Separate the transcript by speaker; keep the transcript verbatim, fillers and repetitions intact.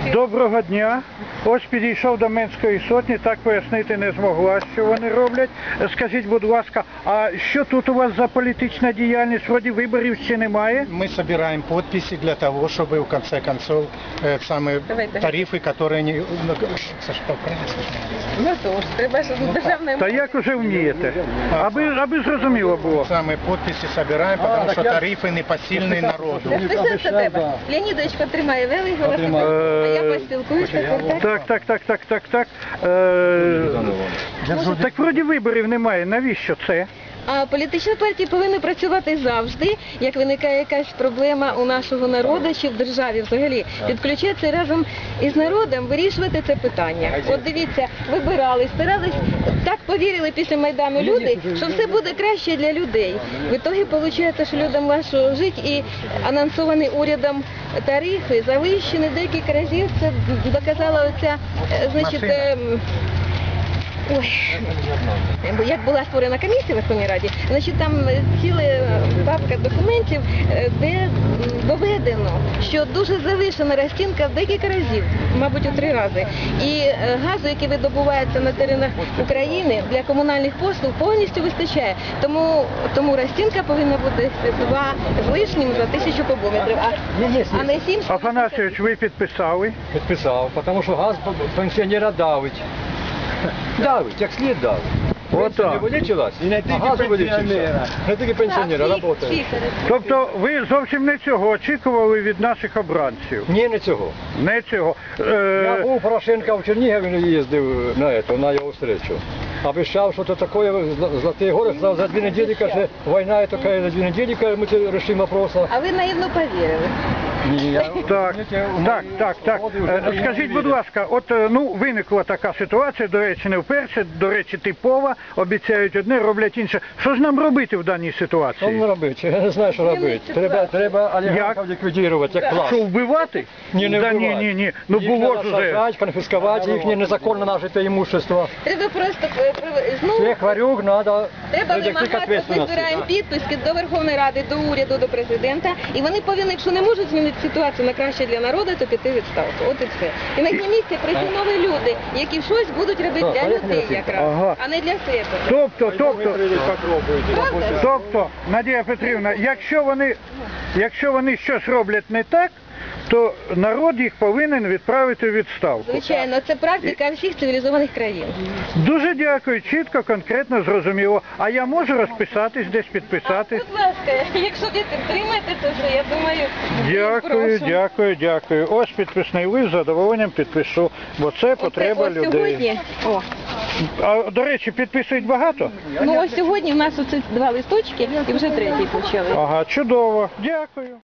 Speaker 1: Доброго дня. Ось підійшов до Менської сотні, так пояснити не змогла, що вони роблять. Скажіть, будь ласка, а що тут у вас за політична діяльність? Вроді виборів ще немає?
Speaker 2: Мы собираем подписи для того, чтобы в конце концов э, самые
Speaker 3: Давайте.
Speaker 2: тарифы, которые не... Ну, Саша, поправь, Саша.
Speaker 3: Ну то ж, треба ж державне...
Speaker 1: Та як уже вмієте? Аби, аби зрозуміло було.
Speaker 2: Самые подписи собираем, потому что тарифы непосильные народу.
Speaker 3: Списується тебе. Леонідович потримає великий велосипед, а я поспілкуюсь тепер.
Speaker 1: Так, так, так, так, так, так. Е, так вроді виборів немає. Навіщо це?
Speaker 3: А політичні партії повинні працювати завжди, як виникає якась проблема у нашого народу чи в державі взагалі. Підключатися разом із народом, вирішувати це питання. От дивіться, вибирали, старались, так повірили після Майдану люди, що все буде краще для людей. В ітогі виходить, що людям важко жити і анонсовані урядом тарифи завищені декілька разів. Це доказала оця, е, значить, е, Ой, як була створена комісія в Верховній Раді, значить там ціла папка документів, де доведено, що дуже завишена розцінка в декілька разів, мабуть, у три рази. І газу, який видобувається на теренах України для комунальних послуг, повністю вистачає. Тому, тому розцінка повинна бути два з лишнім за тисячу кубометрів, а, а не сім.
Speaker 1: Афанасійович, ви підписали?
Speaker 4: Підписав, тому що газ пенсіонера давить. Давить, як слід давить. Пенсія не вилічилась, а газ вилічився. Не тільки пенсіонера, працює.
Speaker 1: Тобто ви зовсім не цього очікували від наших обранців?
Speaker 4: Ні, не цього.
Speaker 1: Не цього.
Speaker 4: Я
Speaker 1: Е,
Speaker 4: був у Порошенка в Чернігові, їздив на, это, на його встречу. Обіцяв, що це таке, Золотые гори, сказав, за дві неділі, каже, війна така, за дві неділі, каже, ми це рішимо вопрос.
Speaker 3: А ви наївно повірили.
Speaker 4: Ні, я...
Speaker 1: Так, так, так, так. Е, Скажіть, будь ласка, от е, ну виникла така ситуація, до речі, не вперше, до речі, типова, обіцяють одне, роблять інше. Що ж нам робити в даній
Speaker 4: Що
Speaker 1: ситуації?
Speaker 4: робити? Я не знаю, що робити. Треба, треба олігархів ліквідувати, як клас.
Speaker 1: Що, вбивати?
Speaker 4: Ні, не
Speaker 1: Да,
Speaker 4: вбивати.
Speaker 1: ні, ні, ні. Ну
Speaker 4: Їх
Speaker 1: було
Speaker 4: треба
Speaker 1: ж уже.
Speaker 4: саджати, конфіскувати їхнє незаконно нажите імущество.
Speaker 3: Треба просто е, прив- знову
Speaker 4: Всіх варюк треба
Speaker 3: треба
Speaker 4: прийти к
Speaker 3: вимагати, ми
Speaker 4: відповідальності.
Speaker 3: збираємо підписки до Верховної Ради, до уряду, до президента, і вони повинні, якщо не можуть змінити ситуацію на краще для народу, то піти у відставку. От і все. І на їхнє місце прийти нові люди, які щось будуть робити для людей якраз,
Speaker 1: Ага.
Speaker 3: а не для себе.
Speaker 1: Тобто, тобто,
Speaker 3: Правда?
Speaker 1: тобто, Надія Петрівна, якщо вони, якщо вони щось роблять не так, то народ їх повинен відправити у відставку.
Speaker 3: Звичайно, це практика всіх цивілізованих країн.
Speaker 1: Дуже дякую, чітко, конкретно, зрозуміло. А я можу розписатись, десь підписатись?
Speaker 3: Будь ласка, якщо ви підтримаєте це все, я думаю,
Speaker 1: Дякую,
Speaker 3: прошу.
Speaker 1: дякую, дякую. Ось підписний лист, з задоволенням підпишу, бо це
Speaker 3: Оце
Speaker 1: потреба
Speaker 3: ось
Speaker 1: людей.
Speaker 3: сьогодні, о,
Speaker 1: А, до речі, підписують багато?
Speaker 3: ну ось сьогодні в нас оце два листочки і вже третій почали.
Speaker 1: Ага, чудово. Дякую.